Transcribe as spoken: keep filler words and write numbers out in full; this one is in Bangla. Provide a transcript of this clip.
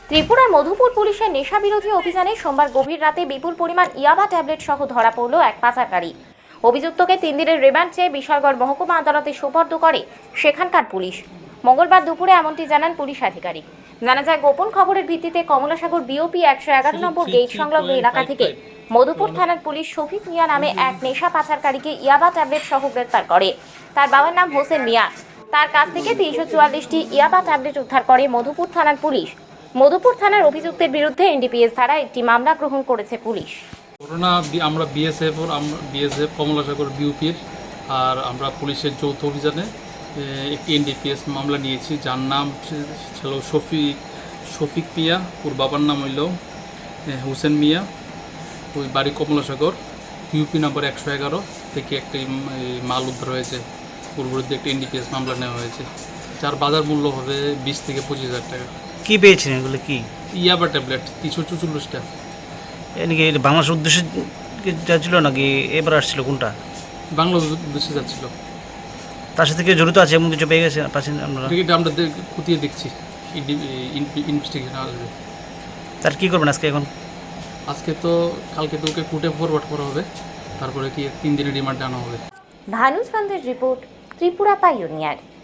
ত্রিপুরার মধুপুর পুলিশের নেশা বিরোধী অভিযানে সোমবার গভীর রাতে বিপুল পরিমাণ ইয়াবা ট্যাবলেট সহ ধরা পড়ল এক পাচারকারী। অভিযুক্তকে তিন দিনের রিমান্ড চেয়ে বিশালগড় মহকুমা আদালতে সোপর্দ করে সেখানকার পুলিশ। মঙ্গলবার দুপুরে এমনটি জানান পুলিশ আধিকারিক। জানা যায়, গোপন খবরের ভিত্তিতে কমলাসাগর বিওপি একশো এগারো নম্বর গেট সংলগ্ন এলাকা থেকে মধুপুর থানার পুলিশ শফিক মিয়া নামে এক নেশা পাচারকারীকে ইয়াবা ট্যাবলেট সহ গ্রেপ্তার করে। তার বাবার নাম হোসেন মিয়া। তার কাছ থেকে তিনশো চুয়াল্লিশটি ইয়াবা ট্যাবলেট উদ্ধার করে মধুপুর থানার পুলিশ। মধুপুর থানার অভিযুক্তের বিরুদ্ধে এনডিপিএস ধারা একটি মামলা গ্রহণ করেছে পুলিশ। করোনা আমরা বিএসএফ আমরা বিএসএফ কমলাসাগর বিউপির আর আমরা পুলিশের যৌথ অভিযানে একটি এনডিপিএস মামলা নিয়েছি, যার নাম ছিল শফিক শফিক মিয়া। ওর বাবার নাম হইল হোসেন মিয়া। ওই বাড়ি কমলাসাগর, বিউপি নম্বর একশো এগারো থেকে একটি মাল উদ্ধার হয়েছে। ওর বিরুদ্ধে একটি এনডিপিএস মামলা নেওয়া হয়েছে, যার বাজার মূল্য হবে বিশ থেকে পঁচিশ হাজার টাকা। কি পেয়েছেন এগুলো? কি ইয়াবা ট্যাবলেট তিনশো চুচল্লিশটা। এদিকে বাংলাদেশের উদ্দেশ্যে যাচ্ছিল নাকি এবার আসছিল? কোনটা? বাংলা উদ্দেশ্যে যাচ্ছিল। তার সাথে কেউ জড়িত আছে এমন কিছু পেয়ে গেছে পাচ্ছেন আপনারা? এটা আমরা খতিয়ে দেখছি, ইনভেস্টিগেশন আসবে। তার কী করবেন আজকে? এখন আজকে তো কালকে তো ওকে কোর্টে ফরওয়ার্ড করা হবে, তারপরে কি তিন দিনের রিমান্ডে আনা হবে। ভানুজ বান্দের রিপোর্ট, ত্রিপুরা পাইওনিয়ার।